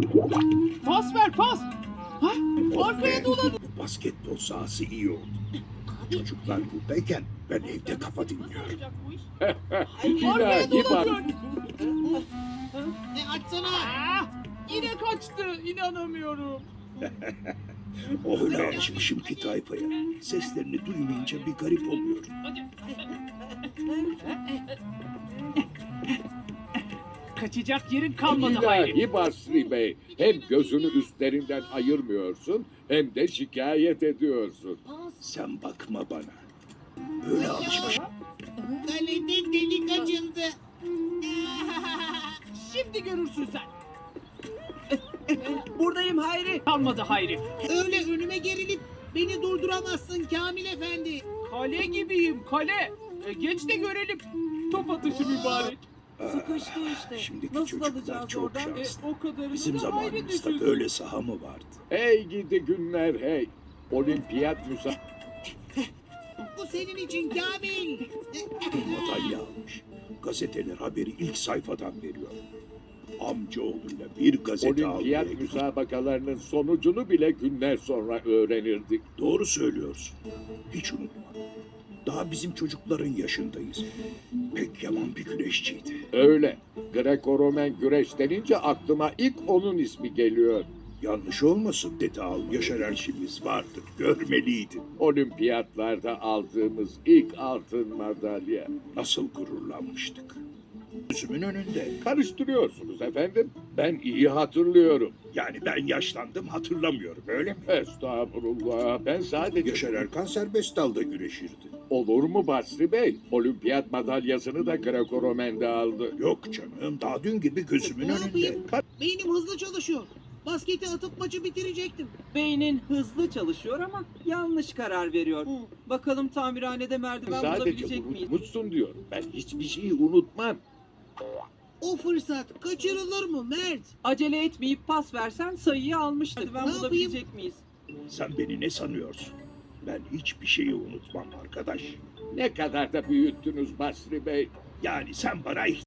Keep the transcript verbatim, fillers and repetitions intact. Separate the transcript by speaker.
Speaker 1: Pas ver pas. Ha? Arkaya dolan.
Speaker 2: Bu basketbol sahası iyi oldu. Çocuklar buradayken ben evde kafa dinliyorum.
Speaker 1: Arkaya
Speaker 3: İlahi bak.
Speaker 1: dolan.
Speaker 4: E açsana.
Speaker 1: Ah, yine kaçtı. İnanamıyorum.
Speaker 2: Öyle alışmışım ki tayfaya. Seslerini duymayınca bir garip oluyorum.
Speaker 1: Kaçacak yerin kalmadı Hayri.
Speaker 3: İlahi Basri Bey. Hem gözünü üstlerinden ayırmıyorsun hem de şikayet ediyorsun.
Speaker 2: Sen bakma bana. Öyle alışmışım.
Speaker 4: Kalede delik açıldı.
Speaker 1: Şimdi görürsün sen.
Speaker 5: Buradayım Hayri.
Speaker 1: Kalmadı Hayri.
Speaker 4: Öyle önüme gerilip beni durduramazsın Kamil Efendi.
Speaker 1: Kale gibiyim kale. E, geç de görelim. Top atışı mübarek.
Speaker 2: Aa,
Speaker 5: Sıkıştı işte.
Speaker 2: Şimdiki
Speaker 5: Nasıl
Speaker 2: çocuklar
Speaker 5: alacağız
Speaker 2: çok
Speaker 5: oradan?
Speaker 1: E,
Speaker 2: şanslı.
Speaker 1: o kadarını
Speaker 2: Bizim
Speaker 1: da Hayri
Speaker 2: zamanımızda
Speaker 1: düşünsün.
Speaker 2: böyle saha mı vardı?
Speaker 3: Hey gidi günler hey. Olimpiyat müsa...
Speaker 4: Bu senin için Kamil.
Speaker 2: Madalya almış. Gazeteler haberi ilk sayfadan veriyor. Amcaoğluyla bir gazete almaya
Speaker 3: Olimpiyat
Speaker 2: gittik.
Speaker 3: müsabakalarının sonucunu bile günler sonra öğrenirdik.
Speaker 2: Doğru söylüyorsun. Hiç unutma. Daha bizim çocukların yaşındayız. Pek yaman bir güreşçiydi.
Speaker 3: Öyle. Greko-Romen güreş denince aklıma ilk onun ismi geliyor.
Speaker 2: Yanlış olmasın Dede Al, Yaşar Erşimiz vardı. Görmeliydin.
Speaker 3: Olimpiyatlarda aldığımız ilk altın madalya.
Speaker 2: Nasıl gururlanmıştık. Gözümün önünde.
Speaker 3: Karıştırıyorsunuz efendim. Ben iyi hatırlıyorum.
Speaker 2: Yani ben yaşlandım hatırlamıyorum öyle mi?
Speaker 3: Estağfurullah. Ben sadece...
Speaker 2: Yaşar Erkan serbest dalda güreşirdi.
Speaker 3: Olur mu Basri Bey? Olimpiyat madalyasını da Greko-Romen'de aldı.
Speaker 2: Yok canım daha dün gibi gözümün
Speaker 4: Ne
Speaker 2: önünde.
Speaker 4: yapayım? Beynim hızlı çalışıyor. Basketi atıp maçı bitirecektim.
Speaker 5: Beynin hızlı çalışıyor ama yanlış karar veriyor.
Speaker 4: Hı.
Speaker 5: Bakalım tamirhanede merdiven
Speaker 3: Sadece
Speaker 5: bulabilecek miyiz?
Speaker 3: unutmuşsun diyorum. Ben hiçbir şeyi unutmam.
Speaker 4: O fırsat kaçırılır mı Mert?
Speaker 5: Acele etmeyip pas versen sayıyı almıştı. Merdiven
Speaker 4: Ne yapayım?
Speaker 5: bulabilecek miyiz?
Speaker 2: Sen beni ne sanıyorsun? Ben hiçbir şeyi unutmam arkadaş.
Speaker 3: Ne kadar da büyüttünüz Basri Bey.
Speaker 2: Yani sen bana